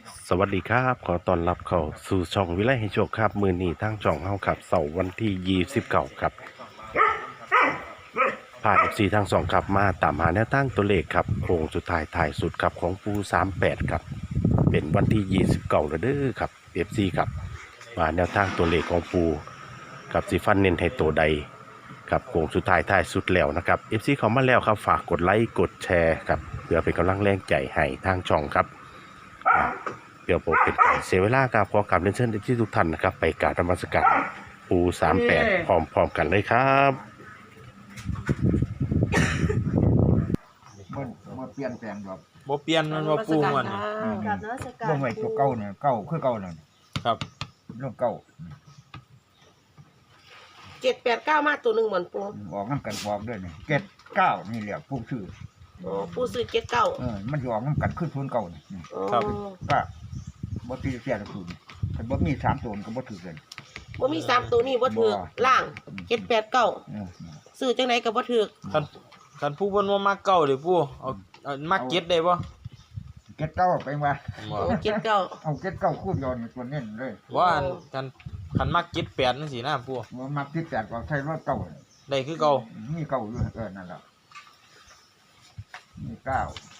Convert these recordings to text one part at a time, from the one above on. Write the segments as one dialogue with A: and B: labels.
A: สวัสดีครับขอต้อนรับเข้าสู่ช่องวิไลให้โชคครับมือนี้ทางช่องเฮาครับเสาร์วันที่29ครับผ่านFCทาง2ครับมาตามหาแนวตั้งตัวเลขครับโค้งสุดท้ายถ่ายสุดครับของปู38ครับเป็นวันที่29แล้วเด้อครับ FC ครับมาแนวทางตัวเลขของปูกับสิฟันเน้นให้ตัวใดครับโค้งสุดท้ายถ่ายสุดแล้วนะครับ FC เข้ามาแล้วครับฝากกดไลค์กดแชร์ครับเพื่อเป็นกำลังแรงใจให้ทางช่องครับ เดี๋ยวผมเป็นการเสียเวลาครับขอกราบเรียนเชิญที่ทุกท่านนะครับไปกราบนมัสการปู38พร้อมๆกันเลยครับ
B: มันเปลี่ยนแปลงแบบ
C: บ่เปลี่ยนมันว่าปูมัน
D: กับนวัตการ
B: ลงไว้ตัวเก่าเนี่ยเก่าคือเก่านั่น
C: ครับ
B: ลงเก่า
D: 789มาตัวหนึ่งเหมือนปู
B: ออกน้ำกันบอกด้วยนี่79นี่แหละผู้ชื่อ
D: อ๋อปูซื้อ79
B: มันจะออกน้ำกันขึ้นทุนเก่านี่
D: อ๋อ
B: ก็บ่ตีเสียละคุณแต่บ่มี3ตัวก็บ่ถือกัน
D: บ่มี3ตัวนี้บ่ถูกล่าง789ซื้อจังไดก็บ่ถูก
C: คันผู้เพิ่นว่ามักเก่าเด้ปูเอามักเก็ตได้บ่
B: 79ไปว่า
C: บ่
D: โอ้79
B: เอา79คู่ย้อนนี่ตัวเน้นเลย
C: ว่าคันมักเก็ต8จังซี่นะปู
B: ว่ามักที่8ก็ใช้รถเก่า
C: ได้คือเก่า
B: มีเก่าอยู่นั่นแหละมี9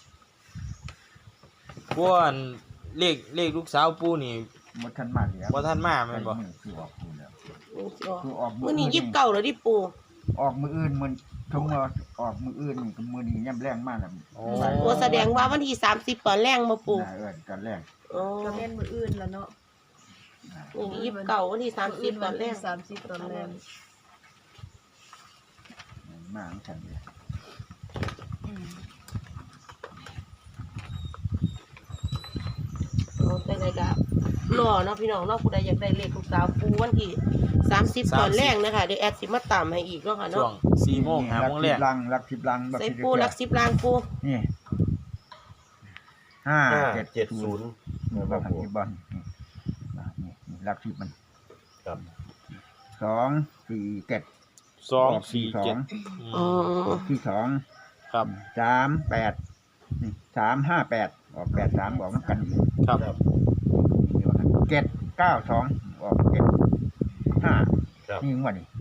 C: ปูอันเลขลูกสาวปูนี่
B: บ่ทันมาแล้ว
C: บ่ทันมาแม่นบ่
B: คือออกคู่แล้ว
D: อ๋อ
B: คือออก
D: มื้อนี้29แล้วดิปู
B: ออกมืออื่นมันทงออกมืออื่นนี่ก็มือนี้ย่ำแรงมากแล้ว
C: โอ้
D: โอ้แสดงว่าวันที่30ตอนแรงบ่ปู
B: กันแรง
D: อ๋อ
E: ก็แม่นมืออื่นแล้วเนาะ
D: มื้อนี้29วันที่30ตอนแรง
E: 30ตอนแรก
B: มากฉันเลย
D: อ๋อจังไดก็รอเนาะพี่น้องเนาะผู้ใดอยากได้เลขลูกสาวปูวันที่30ตอนแรงนะคะเดี๋ยวแอดสิมาตามให้อีกเนาะค่ะ
C: ช่ว
D: เนาะ
C: ง4 โมง5 โมงแรก
B: รักสิบลัง
D: ใส่ปูหลัก10ล้านปู
B: นี่570แบบที่บ้านนี่รักสิบมัน
A: ครับ
B: 247
C: 2 4 7
D: อ๋อ
B: ที่2
C: ครับ
B: 38 358ออก83บอกมันกันอยู่
C: ครับ
B: 792ออก75นี่งวดนี่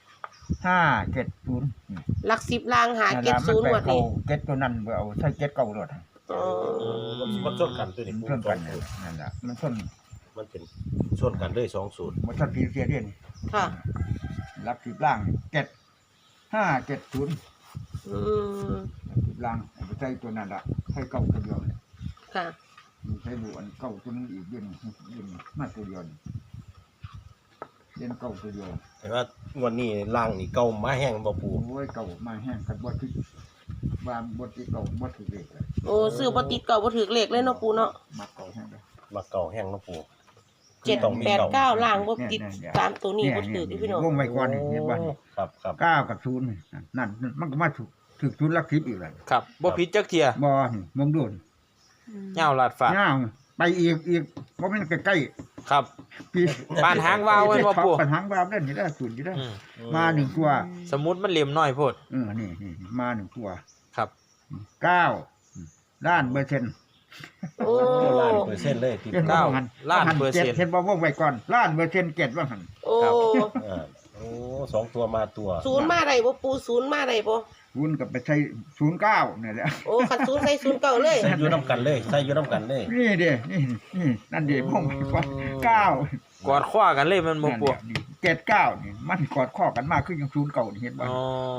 B: 570
D: หลัก10ล้านหา70งวดนี้
B: เก็ตตัวนั้นเอาใช้เก็ตเก่ารถ
D: อ๋อ
A: มันส้นกันตัวนี้
B: มันชนกันนั่นแหละมันชน
A: มันเป็นส้นกันเลย2สูตร
B: มันชนพีเสียเดียน
D: ค่ะ
B: รับสิบล่าง7570
D: อืม
B: สิบล่างเอาใช้ตัวนั้นละใช้เก่าตัวเดียว
D: ค่ะ
B: ใช้บุอันเก่าตัวนึงอีกเดือนมาตัวเดียวเดือนเก่าตัวเดียว
A: แต่ว่าวันนี้ล่างนี่เก่ามาแห้งบ่ปู
B: โอ้ยเก่ามาแห้งกันบ่ที่ว่าบ่ที่เก่าบ่ถือเลขเลย
D: โอ้ซื้อบ่ติดเก่าบ่ถึกเลขเลยเนาะปูเนาะ
B: มาเก่าแห้งเลย
A: มาเก่าแห้งเนาะปู
D: 789ล่างบ่ติดตามตัวนี้บ่ถึกอีพี่น้อง
B: วงไว้ก่อนนี่เห็นบ่
A: ครับครับ
B: 9กับ0นั่นมันก็มาถึก0หลัก10อีกแล้ว
C: ครับบ่ผิดจักเที่ย
B: บ่นี่มองดูน
C: ยาวลาดฟ้า
B: ย่าวไปอีกบ่แม่นใกล้
C: ครับ
B: ๆพี่
C: ปานหางวาวไว้บ่ปู่
B: ปานหางวาวนั่นนี่ได้ศูนย์อยู่ได้
C: อืม
B: มา1ตัว
C: สมุดมันเหลี่ยมน้อยโพด
B: นี่มา1ตัว
C: ครับ
B: 9ล้านเปอร์เซ็นต์
D: โอ้
A: ล้านเปอร์เซ็นต์เลยที่
C: เก้าล้านเปอร์เซ็นต์
B: เห็นบ่วงไว้ก่อนล้านเปอร์เซ็นต์7ว่าหั่น
D: โอ้
A: โอ้2ตัวมาตัว
D: ศูนย์มาได้บ่ปูศูนย์มาได้บ่
B: คุณก็ไปใช้09นี่แหละ
D: โอ้คันศูนย์ใส่ศูนย์เก่าเลย
A: ใส่อยู่น้ำกันเลยใส่อยู่น้ำกันเลย
B: นี่เด้นี่นั่นดิวงไว้ก่อน9
C: กอดคว้ากันเลยมันบ่ปวก
B: 79นี่มันกอดข้อกันมากขึ้นอย่าง09นี่เห็นบ่
C: อ๋อ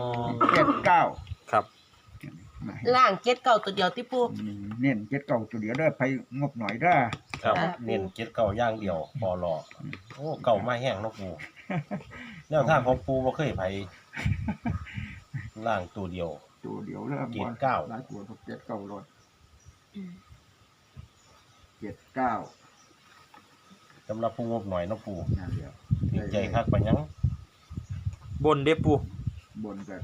B: 79
C: ครับ
D: ล่าง79ตัวเดียวที่ปู
B: เน้น79ตัวเดียวเด้อไปงบหน่อยเด้อ
A: ครับเน้นเก็ดเก่าย่างเดียวพอรอโอ้เก่ามาแห้งเนาะปูแนวทางของปูบ่เคยไผล่างตัวเดียว
B: ตัวเดียวเด้อ
A: เจ็ดเก้า
B: หลายตัว79รถ79
A: สำหรับผู้งบหน่อยเนาะปู
B: นั่นเดียว
A: ดีใจคักปานยัง
C: บนเด้ปู
B: บนก็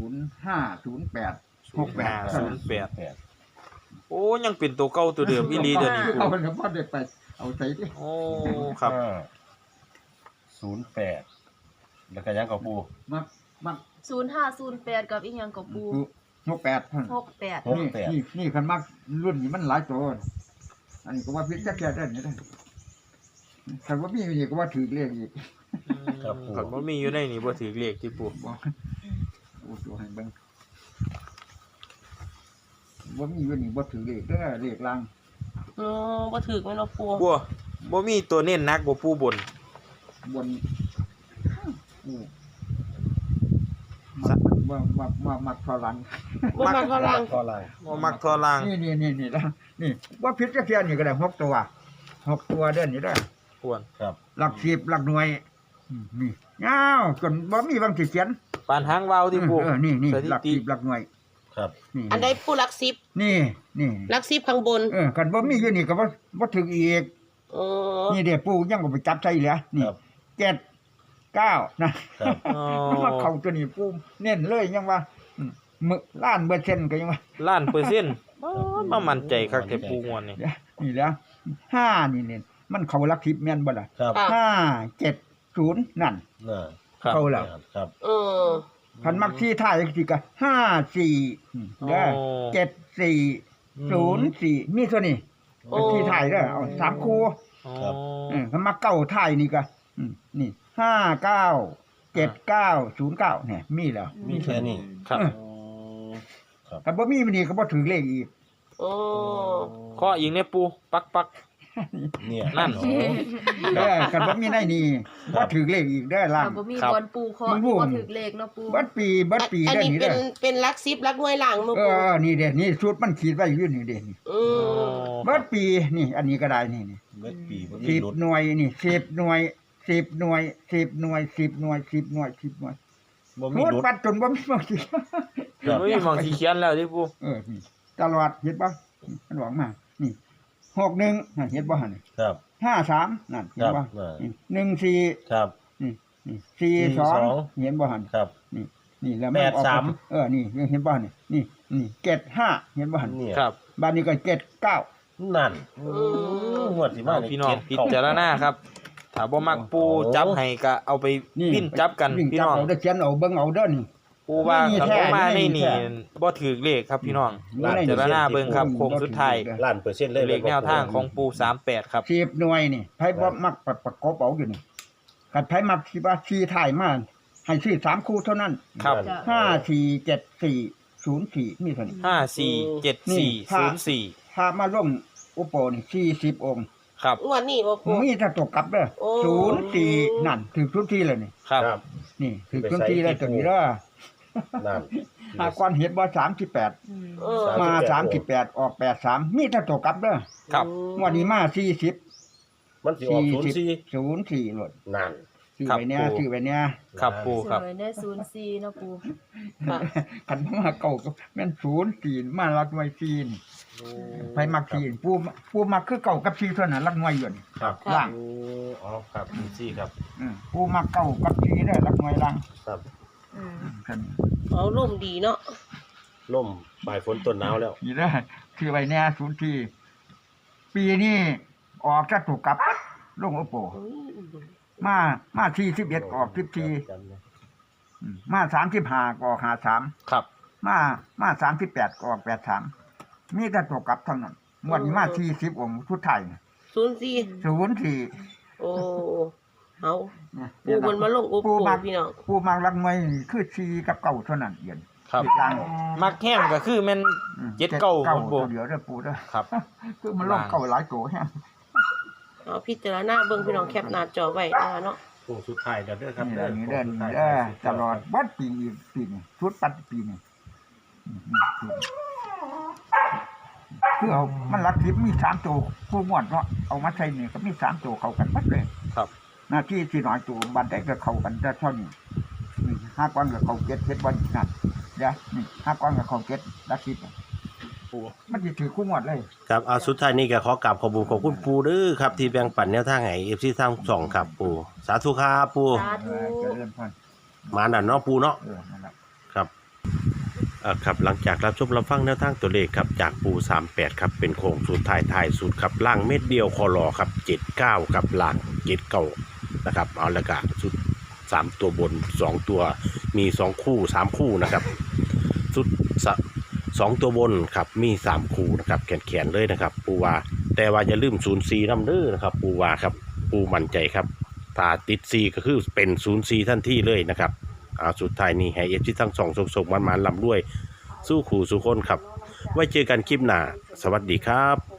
B: 0508
C: โอ้ยังเป็นตัวเก่าตัวเดิมอีหลีเดี๋ยวนี้ปู
B: เอาเฉพาะได้ไปเอาใส่ดิ
C: โอ้ครับ
A: 08แล้วก็ยังกับปู
B: มัก
E: 0508กับอีหยังกับปู
B: 68
E: 68
B: นี่คันมักรุ่นนี้มันหลายตัวอันนี้ก็ว่าพิษแค่ได้นี่ได้ถ้าว่ามีนี่ก็ว่าถือเลขอีก
A: ครับ
C: คันบ่มีอยู่ในนี่บ่ถือเลขที่ปู
B: บอกโอ้ตัวให้เบิ่งว่ามีอยู่นี่บ่ถือเลขเด้อเลขล่าง
D: อ๋อบ่ถึกแม่นบ่ปู
C: ปูบ่มีตัวเน้นหนักบ่ปูบน
B: บนมักทอลัง
D: บ่มาเท่าลัง
A: ก็ไร
C: บ่มักทอล่าง
B: นี่นี่ว่าพิษแค่นี่ก็ได้6 ตัวเด้อนี่ได้อ
C: ควร
A: ครับ
B: หลัก10หลักหน่วยนี่อ้าวจนบ่มีบางสิเขียน
C: ปานหางวาวที่ปู
B: นี่
C: ส
B: หลัก
C: ถิติ
B: 10หลักหน่วย
A: ครับ
B: นี่
D: อันใดปูหลัก10
B: นี่
D: หลัก10ข้างบน
B: กันบ่มีอยู่นี่ก็บ่ถึงอีก
D: อ๋อ
B: นี่เด้ปู่ยังก็ไปจับใส่เหลือนี่
A: ครับ
B: 7 9นะครับ
C: อ๋อ
B: มาเข้าตัวนี้ปู่เน้นเลยยังว่ามื้อล้านเปอร์เซ็นต์ก็ยังว่า
C: ล้านเปอร์เซ็นต์มามั่นใจคักแต่ปูงวนนี่
B: นี่แหล้ว5นี่เนี่ยมันเข้าหลัก10แม่นบ่ล่ะ
A: ครับ
D: ค่ะ
B: 5 7 0นั่น
A: น่ะ
C: ครับ
B: เข้าแล้ว
A: ครับ
D: เออ
B: คันมักที่ท้ายสิก็5 4เด้อ7 4 0 4มีตัวนี้
D: โอ้
B: ที่ท้ายเด้อเอา3คู่
C: อ๋อ
B: คันมักเก้าท้ายนี่ก็นี่5 9 7 9 0 9เนี่ยมีแล้ว
A: มีแค่นี้
C: ครับ
B: คันบ่มีมันนี่ก็บ่ถือเลขอีก
D: โอ้
C: ข้ออีกเนี่ยปูปัก
A: เนี่ย
C: นั่น
A: โอ้
B: คันบ่มีในนี่บ่ถือเลขอีกเด้อล่าง
E: ถ้าบ่มี
C: ครับ
E: บอลปูเคาะ
B: มันบ่
E: บ่ถึกเลขเนาะปู
B: เบิดปี
D: อัน
B: เด้อ
D: นี้
B: นี่
D: เป็
B: เด้
D: น
B: อ
D: เป็นหลัก10หลักหน่วยล่างบ่ปู
B: นี่เด้นี่ชุดมันขีดไว้อยู่นี่เด้นี่
D: อืม
B: เบิดปีนี่อันนี้ก็ได้นี่
A: เม็ดปีบ่มี
B: สิบ
A: รถ
B: หน่วยนี่10 หน่วย10 หน่วย10 หน่วย10 หน่วย10 หน่วย10 หน่วย
A: บ่มี
B: โหด
A: รถ
B: ปัดจนบ่มีบ่สิ
C: ๆไม่มีหมองที่เขียนแล้วที่ปู
B: นี่ตลอดเห็นบ่มันหวังมานี่61นั่นเห็นบ่หั่น
A: ครับ
B: 53นั่นเห็นบ่
A: ครับ
B: นี่14
A: ครับ
B: นี่42เห็นบ่หั่น
A: ครับ
B: นี่แล้วมันออก
A: 83
B: นี่เห็นบ่หั่นนี่เกต5เห็นบ่หั่น
A: เนี่ย
C: ครับ
B: บ้านนี้ก็เกต9
A: นั่นงวดที่มา
C: เอาพี่น้องพิจารณาครับถ้าบ่มักปูจับให้ก็เอาไปปิ้นจับกัน
B: วิ่
C: พี่
B: จับ
C: น้อง
B: เอาได้เขียนเอาเบิ่งเอาเด้อนี่
C: ปูว่า
B: นี่
C: ถ้า
B: แท้
C: บ่มาใน
B: นี่
C: นี่
B: แท้
C: บ่ถือเลขครับพี่น้อง
B: นี่
C: พิจารณาเบิ่งครับโค้งสุดท้าย
A: ล้านเปอร์เซ็นต์เลย
C: เลขแนวทางของปู38ครับ
B: 10หน่วยนี่ไผบ่มักประกบเอาอยู่นี่คันไผมักสิว่า4ถ่ายมาให้ซื้อ3คู่เท่านั้น
C: ครับ
E: จ้ะ
B: 5 4 7 4 0 4มีเท่านี้
C: 547404
B: ถ้ามาลงอุปโปนี่40องค์
C: ครับ
D: งวดนี้บ่ปู
B: มีแต่ตกกลับเด้อ
D: โอ้
B: 04นั่นถึงทุกที่เลยนี่
C: ครับ
A: ครับ
B: นี่ถึงทุกที่เลยตัวนี้เด้อ
A: นั่น
B: หากวันเห็นว่า38
E: อืม
D: เออ
B: มา38ออก83มีแต่ตกกลับเด้อ
C: ครับ
B: งวันนี้มา40
A: มันสิออก04
B: 04โลด
A: นั่น
B: ซื้อ
C: ครับ
B: ไว้เนี่ย
C: ปู่
B: ซื้อไว้เนี่ย
C: ครับปู
E: ส
C: ครับ
E: วยได้04เนาะปู
D: ค่ะ
B: คันมาเก่าก็แม่น04มาลักหน่วย4นี่ไผมัก4ผู้มักคือเก่ากับ4เท่านั้นลักหน่วยอยู่นี่
A: ครับ
B: ล่าง
A: โอ้อ๋อครับซี่ครับ
B: ผู้มักเก่ากับ4เด้อลักหน่วยล่าง
A: ครับ
E: อืม
B: คัน
D: เอาร่มดีเนาะ
A: ล่มปลายฝนต้นหนาวแล้ว
B: นี่เด้อซื้อไว้เนี่ย04ปีนี้ออกจะถูกกลับลงอุปโปมา41ออก14มา35ก็ออก53
C: ครับ
B: มา38ก็ออก83มีแต่ตกกลับเท่านั้นงวดนี้มา40องค์สุดท้ายนี่
D: 04
B: 04
D: โอ้เอาปูมันมาลงอุป
B: ปู
D: โภ
B: มั
D: ค
B: ก
D: พี่น้อง
B: ปูมักรักมวยนี่คือ4กับ9เท่านั้นเอียน
C: ครับ
B: อีกอย่าง
C: มักแห้งก็คือแม่น เจ็ดเก้า
B: เก้า
C: ปู
B: ตัวเดียวเด้อปูเด้อ
C: ครับ
B: คือมันลงเก้าหลายตัวแฮะ
D: เอาพิจารณาเบิ่งพี่น้องแคปหน้าจอไว้นะคะเนาะ
A: โค้งสุดท้ายแล้วเด้อครับ
B: นี่แหละนี่เด้อ
A: โค้งสุ
B: นี่
A: ท้าย
B: เด้อตลอดวัดปีนี่ชุดปัดปีนี่คือเอามันรักทิพย์มี3ตัวผู้งวดเนาะเอามาใส่นี่ก็มี3ตัวเข้ากันหมดเลย
C: ครับ
B: หน้าที่ที่น้อยตัวบันไดก็เข้ากันแต่เท่านี้5ก้อนก็เข้า7เฮ็ดบ่นั่นเด้อนี่5ก้อนก็เข้า7รักทิพย์มันสิถือคู่งวดเลย
A: ครับเอาสุดท้ายนี้ก็ขอกราบขอบคุณขอบคุณปูเด้อครับที่แบ่งปันแนวทางให้ FC ทางช่องครับปูสาธุครับปู
E: สาธุ
B: เจริญพร
A: มานั่นเนาะปูเนาะ
B: นั่นแหละ
A: ครับครับหลังจากรับชมรับฟังแนวทางตัวเลขครับจากปู38ครับเป็นโค้งสุดท้ายสุดครับล่างเม็ดเดียวคอรอครับ79ครับล่าง79นะครับเอาละกะสุด3ตัวบน2ตัวมี2คู่3คู่นะครับสุด 2ตัวบนครับมี3คู่นะครับแขนๆเลยนะครับปูว่าแต่ว่าอย่าลืม04นำเด้อนะครับปูว่าครับปูมั่นใจครับถ้าติด4ก็คือเป็น04ทันทีเลยนะครับสุดท้ายนี้ให้FCทั้งสองส่งๆมันๆลำด้วยสู้ขู่สู้คนครับไว้เจอกันคลิปหน้าสวัสดีครับ